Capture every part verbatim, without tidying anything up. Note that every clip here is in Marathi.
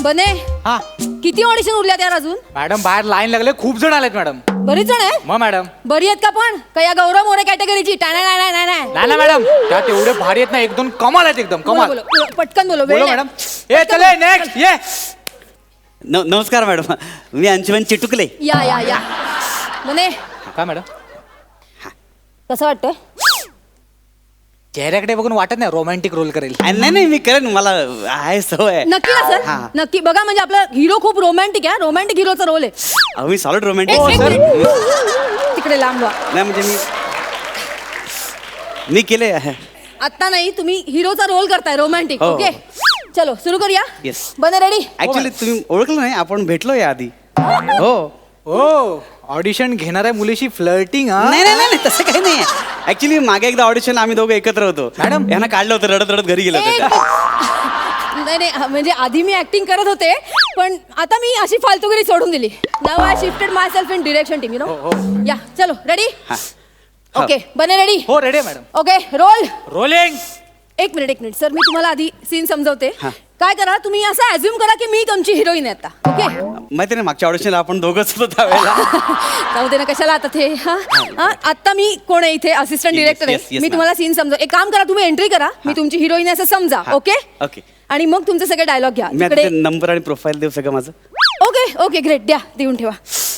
बने हा किती ऑडिशन उरल्यात यार अजून? मॅडम बाहेर लाईन लागले, खूप जण आलेत मॅडम. बरीच जण आहे. मग मॅडम बरी आहेत का पण? का या गौरव मोरे कॅटेगरीची? टाना नाही नाही नाही नाही ना मॅडम, त्यात एवढे भारी आहेत ना, एक दोन कमाल आहेत एकदम बोलो, कमाल. बोलो, बोलो, पटकन बोलो. वेळ बोलो नाही. मॅडम. ए चले नेक्स्ट ये. न नमस्कार मॅडम, मी अंशुमन चिटुकले. या या या बने काय मॅडम? कसं वाटतंय? चेहऱ्याकडे बघून वाटत नाही रोमॅन्टिक रोल करेल. नाही नाही, मी करेन, मला आहे सवय. नक्की ना सर? हा. नक्की बघा, म्हणजे आपला हिरो खूप रोमॅन्टिक आहे. रोमॅन्टिक हिरोचा रोल आहे. अहो मी सॉलिड रोमॅन्टिक. एक- एक सर मिनिट. तिकडे लांब व्हा. नाही म्हणजे मी मी केले. आता नाही, तुम्ही हिरोचा रोल करताय रोमॅन्टिक. हो. ओके चलो सुरू करूया. Yes. बने रेडी? ऍक्च्युली तुम्ही ओळखलं नाही, आपण भेटलो या आधी. हो हो ऑडिशन घेणाऱ्या मुलीशी फ्लर्टिंग. नाही नाही नाही, तसं काही नाही. ऍक्च्युली मागे एकदा ऑडिशन आम्ही दोघं एकत्र होतो. मॅडम? यांना काढलं होतं, रडत रडत घरी गेलो एक- होतो. नाही नाही, म्हणजे आधी मी ऍक्टिंग करत होते, पण आता मी अशी फालतूगिरी सोडून दिली. नाव I shifted myself in direction team, you know. या चलो रेडी? हा. ओके बने रेडी? हो ready madam. Okay roll. Rolling. एक मिनिट एक मिनिट सर, मी तुम्हाला आधी सीन समजवते. हा. काय करा तुम्ही, असं ऍझ्युम करा की मी तुमची हिरोईन आहे आता. ओके माहिती नाही, मागच्या ऑडिशनला आपण दोघंच होतो त्यावेळेला. जाऊ दे ना, कशाला आता ते. हा हा, आता मी कोण आहे इथे? असिस्टंट Yes, डिरेक्टर yes, आहे. yes, मी ma'am. तुम्हाला सीन समजव. एक काम करा, तुम्ही एंट्री करा, मी तुमची हिरोईन आहे असं समजा. Okay okay. आणि मग तुमचे सगळे डायलॉग घ्या मी तिकडे. आता नंबर आणि प्रोफाईल देऊ सगळं माझं. ओके ओके ग्रेट, द्या, देऊन ठेवा.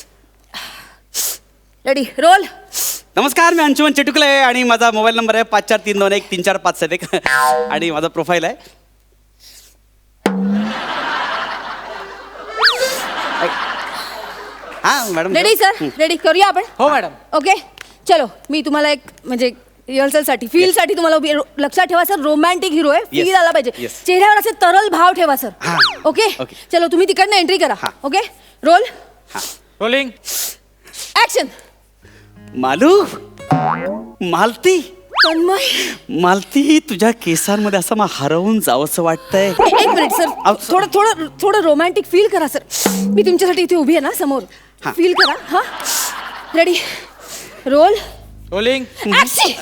Ready roll. नमस्कार, मी अंशुमन चिटुकले आणि माझा मोबाईल नंबर आहे पाच चार तीन दोन एक तीन चार पाच सात एक आणि माझा प्रोफाईल आहे. हा मॅडम. Ready sir? रेडी करूया आपण. हो मॅडम. ओके चलो, मी तुम्हाला एक म्हणजे रिहर्सल साठी फील साठी तुम्हाला उभी- लक्षात ठेवा सर, रोमॅन्टिक हिरो आहे. Feel Yes. आला पाहिजे Yes. चेहऱ्यावर, असे तरल भाव ठेवा सर. हा. Okay Okay. चलो, तुम्ही तिकडनं एंट्री करा. हा. Okay roll rolling. Action. Malu, Malati, Tanmay. Malati, तुझ्या केसांमध्ये असं मला हरवून जावंसं वाटतंय. ए- एक मिनिट सर, अहो, थोडं थोडं थोडं रोमॅन्टिक फील करा सर. मी तुमच्यासाठी इथे उभी आहे ना समोर. हा. फील करा. हा रेडी रोल रोलिंग. ऍक्शन.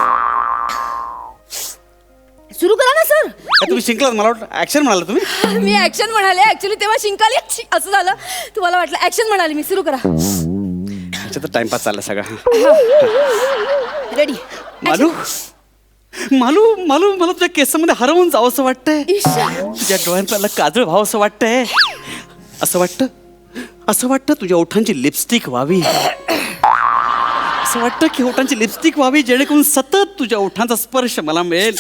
सुरू करा ना सर. काय तुम्ही शिंकलात? मला वाटतं ऍक्शन म्हणाला तुम्ही. मी ऍक्शन म्हणाले, ऍक्च्युली तेव्हा शिंकाली छी, असं झालं. तुम्हाला वाटलं ऍक्शन म्हणाली मी. सुरू करा. अच्छा, तर टाइमपास चालला सगळा. रेडी मालू, मालू, मालू, मला तुझ्या केसांमध्ये हरवून जावंसं वाटतंय. ईशा. तुझ्या डोळ्यांना काजळ व्हावंसं वाटतंय. असं वाटतं, असं वाटतं तुझ्या ओठांची लिपस्टिक व्हावी. असं वाटतं की ओठांची लिपस्टिक व्हावी, जेणेकरून सतत तुझ्या ओठांचा स्पर्श मला मिळेल.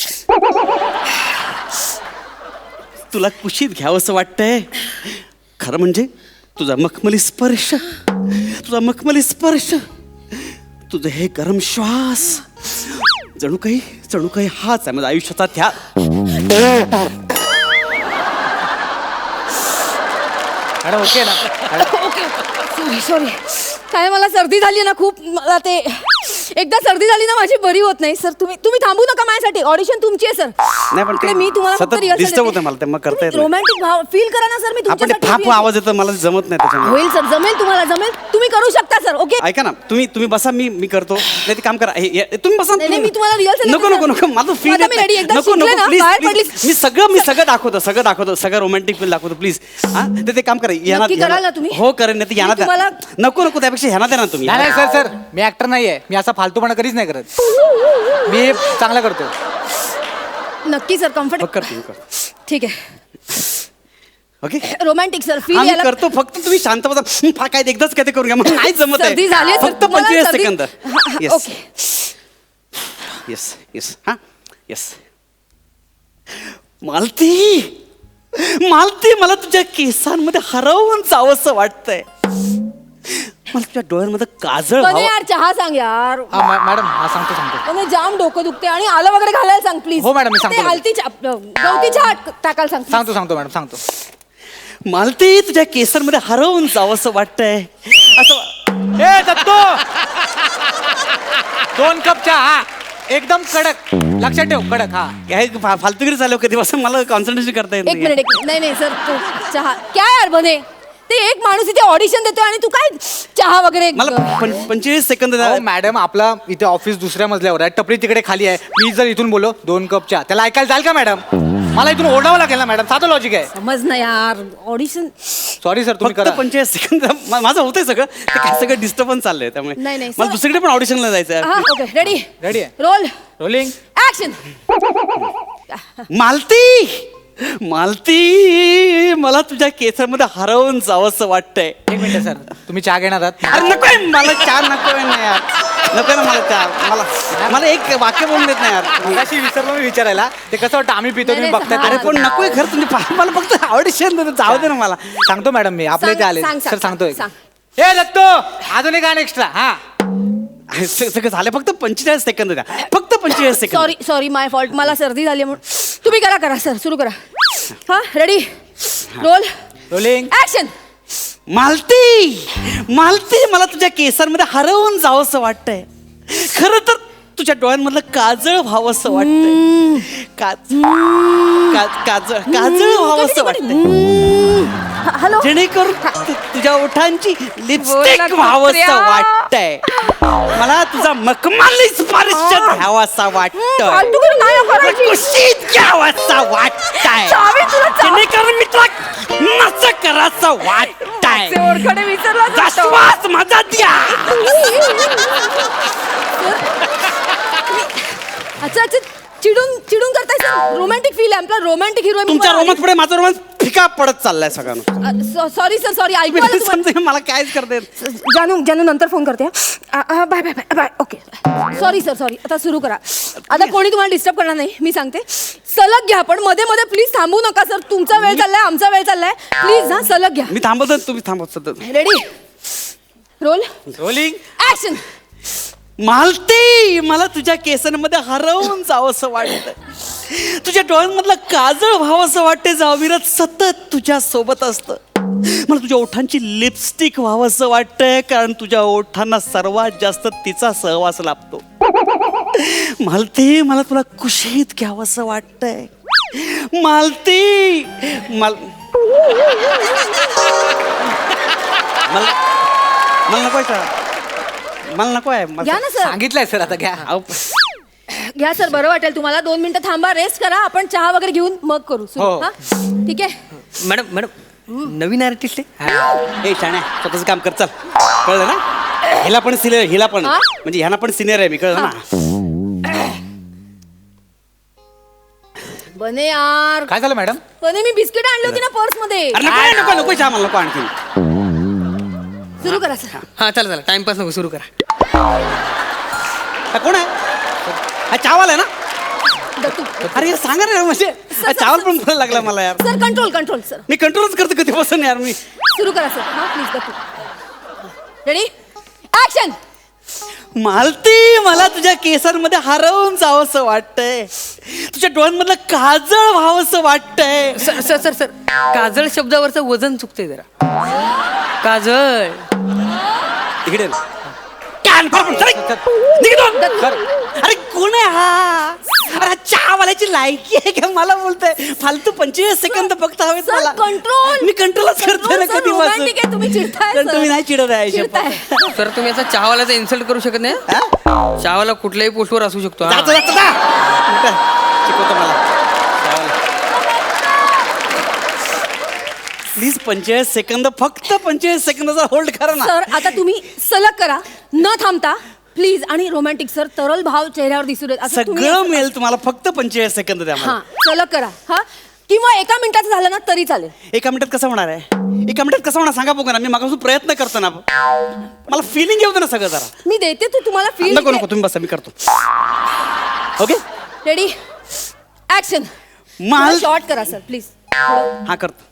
तुला कुशीत घ्यावंसं वाटतंय. खरं म्हणजे तुझा मखमली स्पर्श, तुझा मखमली स्पर्श, तुझं हे गरम श्वास, जणू काही जणू काही हाच आहे माझ्या आयुष्याचा त्या. मॅडम ओके ना? ओके सॉरी सॉरी, काय मला सर्दी झाली ना खूप. मला ते एकदा सर्दी झाली ना माझी बरी होत नाही सर. तुम्ही तुम्ही थांबू नका माझ्यासाठी. ऑडिशन तुमची आहे सर. नाही पण इकडे ते मी तुम्हाला फक्त सतत rehearsal डिस्टर्ब देते. होतं मला, ते मग करता येत नाही. रोमॅन्टिक भाव फील करा ना सर. मी आपण ते तुमच्यासाठी फाप उभी आहे. आवाज येतो, मला जमत नाही त्याच्यामुळे. होईल सर, जमेल तुम्हाला, जमेल. तुम्ही करू शकता सर. ओके ऐका ना, तुम्ही तुम्ही बसा, मी मी करतो. नाही ते काम करा. हे- हे- तुम्ही बसा. नाही, नाही, तुम्ही- मी तुम्हाला rehearsal नको देते, नको सर. नको, माझं फील आता मी ready, एकदा नको शिकले नको ना, प्लीज बाहेर प्लीज. पडलीस. मी सगळं मी सगळं दाखवतो, सगळं दाखवतो, सगळं रोमॅन्टिक फील दाखवतो प्लीज. हा ते ते काम करा. यांना- नक्की कराल ना तुम्ही? हो करेन. नाही ते यांना मी तुम्हाला- द्या. नको नको, त्यापेक्षा ह्यांना द्या ना तुम्ही. नाही नाही सर सर, मी ऍक्टर नाहीये. मी असा फालतूपणा कधीच नाही करत. मी हे चांगला करतो. नक्की सर, हो, कम्फर्ट. करतो मी करतो. ठीक आहे. ओके रोमॅन्टिक सर फील हा मी यायला. करतो. फक्त तुम्ही शांत बसा. हं, फा काय एकदाच काय ते करून घ्या, मला नाही जमत आहे. सर्दी झाली आहे, सर. फक्त तुम्हाला पंचवीस सर्दी- सेकंद. हा, हा, येस ओके. येस येस हा येस. मालती, मालती, मला तुझ्या केसांमध्ये हरवून जावंसं वाटतंय. मला तुझ्या डोळ्यांमध्ये काजळ पण व्हावं. यार चहा सांग यार. हा मॅ- मॅडम हा सांगतो सांगतो. पण जाम डोकं दुखते आणि आलं वगैरे घालायला सांग प्लीज. हो, मॅडम, मी सांगतो. ते हलती चहा, गवती चहा टाकायला सांग please. सांगतो सांगतो मॅडम सांगतो. मालती, तुझ्या केसांमध्ये हरवून जावंसं वाटतंय. असं ए दत्तो, दोन कप चहा. हा एकदम कडक, लक्षात ठेव, कडक. हा काय फा- फालतुगिरी चालू कधीपासून मला कॉन्सन्ट्रेशन करता येत एक नाही. मिनिट एक मिनिट. नाही नाही सर तो चहा क्या यार बने. ते ते एक माणूस इथे ऑडिशन देतोय आणि तू काय चहा वगैरे मला पं- पंचेचाळीस सेकंद द्या. अहो मॅडम आपला इथे ऑफिस दुसऱ्या मजल्यावर आहे, टपरी तिकडे खाली आहे. मी जर इथून बोलो दोन कप चहा, त्याला ऐकायला जाईल का मॅडम? मला इथून ओरडावं लागेल ना मॅडम, साधं लॉजिक आहे. समज ना यार, ऑडिशन. सॉरी सर, तुम्ही फक्त करा. पंचेचाळीस सेकंद मा- माझं होतंय सगळं, ते काय सगळं डिस्टर्बन्स चाललंय त्यामुळे नाही, नाही, मला सर. दुसरीकडे पण ऑडिशनला जायचं हा आहे. ओके, रेडी रेडी आहे. Roll rolling. Action. Malati Malati मला तुझ्या केसांमध्ये हरवून जावंसं वाटतंय. एक मिनिट सर, तुम्ही चहा घेणार आहात? अरे नकोय मला चहा, नकोय ना यार, नकोय ना मला चहा. मला मला एक वाक्य बोलून देत नाही यार. मगाशी विसरलो मी विचारायला, ते कसं वाटतं आम्ही पितो नाही, तुम्ही नाही, बघताय हा. अरे ते. पण नकोय खरं, तुम्ही पा- मला फक्त ऑडिशन देतो, जाऊ दे ना मला. सांगतो मॅडम मी, आपले सांग, ते आले सांग, सर, सांग, सांगतोय. सांग. हे दत्तो, अजून एक गाणं एक्स्ट्रा. हा हे स- सगळं झालं, फक्त पंचेचाळीस सेकंद द्या, फक्त पंचेचाळीस second. Sorry sorry my fault, मला सर्दी झाली म्हणून. तुम्ही करा करा सर, सुरू करा. हा ready roll rolling. Action. Malati Malati मला तुझ्या केसांमध्ये हरवून जावंसं वाटतंय. खरं तर तुझ्या डोळ्यांमधलं काजळ व्हावंसं वाटतंय. काज का- काजळ काजळ व्हावंसं वाटतंय, हॅलो. जेणेकरून तु- तुझ्या ओठांची लिपस्टिक बोला, व्हावंसं कुत्र्या. वाटतंय. मला तुझा मखमली स्पर्श घ्यावासा वाटतोय, फालतू करून नाही करायची. कुशीत घ्यावासा वाटतंय, चावी तुला चावी. जेणेकरून मी तुला नस करायचं वाटतंय. ते ओरखडे विसरला जा श्वास माझा द्या. अच्छा अच्छा, चिडून चिडून करताय सर. रोमॅन्टिक फील आहे आपला, रोमॅन्टिक हिरो. तुमच्या रोमांस पुढे माझा रोमांस फिका पडत चाललाय सगळ्यांना. सॉरी सर, सॉरी ऐकू आलं तुम्हाला. समजा मला कायच करते. जानू जानू नंतर फोन करते. Bye bye bye bye. Okay sorry sir, sorry. आता सुरू करा. आता कोणी तुम्हाला डिस्टर्ब करणार नाही, मी सांगते. सलग घ्या, पण मध्ये मध्ये प्लीज थांबू नका सर. तुमचा वेळ चाललाय, आमचा वेळ चाललाय. प्लीज हा सलग घ्या. मी थांबवतो, तुम्ही थांबवतो. Ready roll rolling. Action. Malati मला तुझ्या केसांमध्ये हरवून जावंसं वाटतंय. तुझ्या डोळ्यांमधलं काजळ व्हावंसं वाटते, जावीरत सतत तुझ्या सोबत असतं. मला तुझ्या ओठांची लिपस्टिक व्हावंसं वाटतंय, कारण तुझ्या ओठांना सर्वात जास्त तिचा सहवास लाभतो. मालती मला तुला कुशीत घ्यावंसं वाटतंय. मालती मला मला मला नको आहे, मला नको आहे. मला- घ्या ना सर, सांगितलंय सर, आता घ्या. अहो, घ्या सर, बरं वाटेल तुम्हाला. दोन मिनिटं थांबा, रेस्ट करा. आपण चहा वगैरे घेऊन मग करू सुरू. हो. हा ठीक आहे. मॅडम मॅडम नवीन आर्टिस्ट आहे. ए शाण्या, स्वतःच काम कर, चल. कळलं ना? हिला पण सिनियर, हिला पण हा? म्हणजे ह्याला पण सिनियर आहे मी, कळलं ना? बने यार, काय झालं मॅडम? बने मी बिस्किट आणली होती ना पर्स मध्ये. अरे नको नको नको चहा, मला नको आणखी. सुरू करा सर. हा चला चला, टाइमपास नको, सुरू करा. हा, कोण आहे? हा चावल आहे ना? दत्तू. अरे यार सांगा रे, म्हणजे हा चावल पण बोलायला लागला मला यार. Sir control control sir. मी कंट्रोलच करतो कधीपासून यार मी. सुरू करा सर. हा please Dattu. Ready action. Malati मला तुझ्या केसांमध्ये हरवून जावंसं वाटतंय. तुझ्या डोळ्यांमधलं काजळ व्हावंसं वाटतंय. सर सर सर सर काजळ शब्दावरचं वजन चुकतंय जरा. काजळ. इकडे ना. कान फाडून चल. निघ इथून. अरे कोण आहे हा? अरे हा चहावाल्याची लायकी आहे का मला बोलतोय? फालतू पंचेचाळीस सेकंद फक्त हवेत सर, मला. control. मी कंट्रोलच करतोय ना Control, sir, कधी romantic आहे, तुम्ही चिडताय, sir. तुम्ही नाही चिडत आहे चिडताय. शपथ. सर तुम्ही असा चहावाल्याचा इन्सल्ट करू शकत नाही. हा? चहावाला कुठल्याही पोस्टवर असू शकतो. जा, हा. जा, जा, जा. उलटं शिकवतो मला. प्लीज पंचेचाळीस सेकंद, फक्त पंचेचाळीस सेकंदाचा होल्ड करा ना. सर आता तुम्ही सलग करा, न थांबता प्लीज. आणि रोमॅन्टिक सर, तरल भाव चेहऱ्यावर दिसू देत. असं तुम्ही सगळं असं- मिळेल तुम्हाला, फक्त पंचेचाळीस सेकंद द्या मला. हा सलग करा. हा किंवा एका मिनिटाचं झालं ना तरी चालेल. एका मिनिटात कसं होणार आहे? एका मिनिटात कसं होणार सांगा बघू ना. मी मागासून प्रयत्न करतो ना. मला फिलिंग येऊ दे ना सगळं जरा. मी देते तू तुम्हाला फील. नको नको, तुम्ही बसा, मी करतो. Okay ready action. माल शॉर्ट करा सर प्लीज. हा करतो.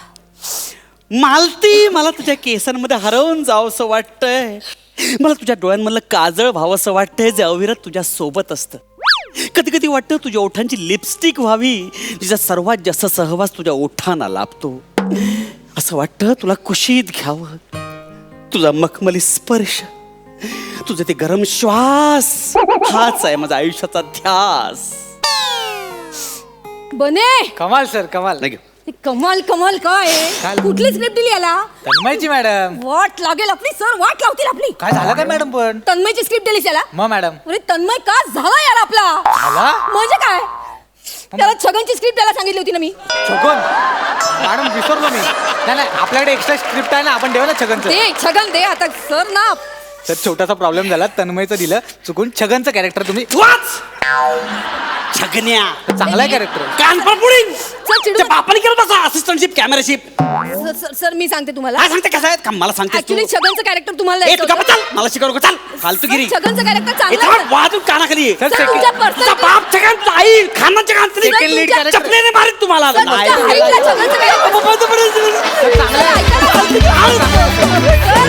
मालती मला तुझ्या केसांमध्ये हरवून जावंसं वाटतंय. मला तुझ्या डोळ्यांमधलं काजळ व्हावंसं वाटतंय, जे अविरत तुझ्या सोबत असतं. कधी कधी वाटतं तुझ्या ओठांची लिपस्टिक व्हावी, जिचा सर्वात जास्त सहवास तुझ्या ओठांना लाभतो. असं वाटतं तुला कुशीत घ्यावं, तुझा मखमली स्पर्श, तुझं ते गरम श्वास, हाच आहे माझा आयुष्याचा ध्यास. बने कमाल सर, कमाल. नाही घेऊ. कमाल कमाल काय आहे? काय? कुठली स्क्रिप्ट दिली याला? तन्मयची मॅडम वाट लागेल आपली सर, वाट लावतील आपली. काय झालं काय मॅडम पण तन्मयची स्क्रिप्ट दिलीस याला? मग मॅडम अरे तन्मय का झाला यार आपला? झाला? म्हणजे काय? त्याला छगनची स्क्रिप्ट त्याला सांगितली होती ना मी. छगन मॅडम विसरलो मी. नाही नाही आपल्याकडे एक्स्ट्रा स्क्रिप्ट आहे ना, आपण देऊ ना छगनचं. दे छगन दे आता सर ना. तर छोटासा प्रॉब्लेम झाला, तन्मयचं दिलं चुकून, छगनचं कॅरेक्टर तुम्ही वाच छगन्या चांगला कॅरेक्टर. कान पडपुडिंग सर चिडू त्या बापाने केलं तसं assistantship cameraship sir, sir sir मी सांगते तुम्हाला. काय सांगते कसं आहेत का मला सांगते ऍक्च्युली छगनचं कॅरेक्टर तुम्हाला ए तू द्यायचं गप्प होतं. चाल मला शिकवू नको चाल फालतूगिरी सर, छगनचं कॅरेक्टर ए, चांगलं थांब, आहे, सर. वाजून कानाखाली ये. सर, सर, second- तुमच्या personal- तुझा बाप छगन आई खानाच्या Second lead character. चपलेने मारित तुम्हाला सर, तुमच्या हाईटला छगनचं character- चांगलं आहे. सर, ऐका ना. सर,